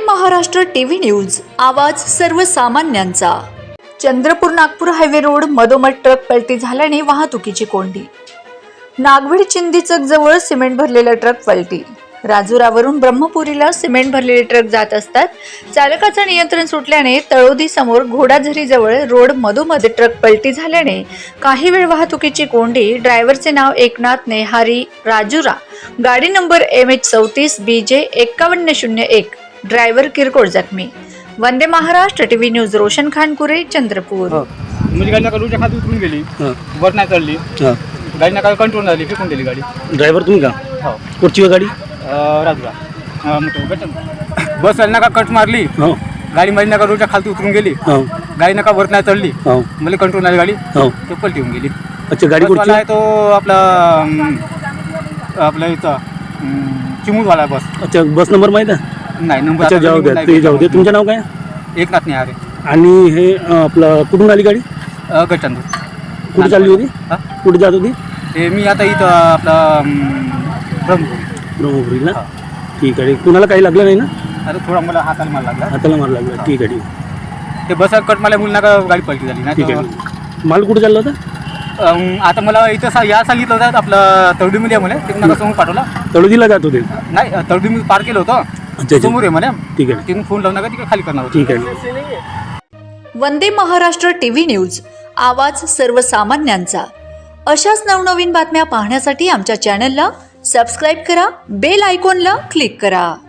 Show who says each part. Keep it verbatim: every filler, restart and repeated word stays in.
Speaker 1: Maharashtra TV news, आवाज सर्वसामान्यांचा। Chandrapur Nagpur highway road मधोमध ट्रक पलटी झाल्याने वाहतुकीची कोंडी। नागवीड चिंदीचक जवळ सिमेंट भरलेला ट्रक पलटी। राजुरावरून ब्रह्मपुरीला सिमेंट भरलेले ट्रक जात असतात चालकाचे नियंत्रण सुटल्याने तळोदी समोर घोडाझरी जवळ रोड मधोमध ट्रक पलटी झाल्याने काही वेळ वाहतुकीची कोंडी। ड्रायव्हरचे नाव एकनाथ नेहारी राजुरा, गाडी नंबर एम एच चौतीस बी जे एक्कावन्न शून्य एक। ड्रायव्हर किरकोळ जखमी। Vande Maharashtra TV news, Roshan Khankure, Chandrapur.
Speaker 2: मुझे गाड़ी नका रोडच्या खाली उतरून गेली, वर नाही चढली, गाडी नका कंट्रोल झाली, फेकून दिली गाडी।
Speaker 3: ड्रायव्हर तुम्ही का?
Speaker 2: हो।
Speaker 3: कुठची गाडी?
Speaker 2: राजुरा बस नका कट मारली, गाडी मध्ये नका रोडच्या खाली उतरून गेली, गाडी नका वर नाही चढली, मला कंट्रोल नाही गाडी, तो पलटी होऊन गेली।
Speaker 3: अच्छा, गाडी कुठची
Speaker 2: आहे? तो आपला आपला इथं चिमूरवाला बस।
Speaker 3: अच्छा, बस नंबर माहिती आहे?
Speaker 2: नाही, नंबर
Speaker 3: अच्छा, जाऊ द्या, ते जाऊ दे। तुमचं नाव काय?
Speaker 2: एकनाथ नेहारे।
Speaker 3: आणि हे आपलं कुठून आली गाडी?
Speaker 2: गटचंदूर।
Speaker 3: कुठे चालली होती? कुठे जात होती?
Speaker 2: ते मी आता इथं आपला ब्रह्मपुरी
Speaker 3: ब्रह्मपुरीला। ठीक आहे, कुणाला काही लागलं नाही ना?
Speaker 2: आता थोडा मला हाताला मार लागला।
Speaker 3: हाताला मार लागला, ठीक आहे ठीक
Speaker 2: ते बसा कट मला मुलं नका गाडी पलटी झाली
Speaker 3: ठीक
Speaker 2: नाही।
Speaker 3: आहे, माल कुठे चालला होता?
Speaker 2: आता मला इथं सा या सांगितलं होतं आपलं तळडीमध्ये मला, ते नका समोर पाठवला।
Speaker 3: तळोदीला जात होते?
Speaker 2: नाही, तळडी मी पार केलं होतं,
Speaker 3: अच्छा
Speaker 2: समोर आहे मला।
Speaker 3: ठीक आहे,
Speaker 2: तिथून फोन लावून नका तिकडे खाली करणार होतं।
Speaker 3: ठीक आहे।
Speaker 1: वंदे महाराष्ट्र टीव्ही न्यूज, आवाज सर्वसामान्यांचा। अशाच नवनवीन बातम्या पाहण्यासाठी आमच्या चॅनलला सबस्क्राईब करा, बेल आयकॉनला क्लिक करा।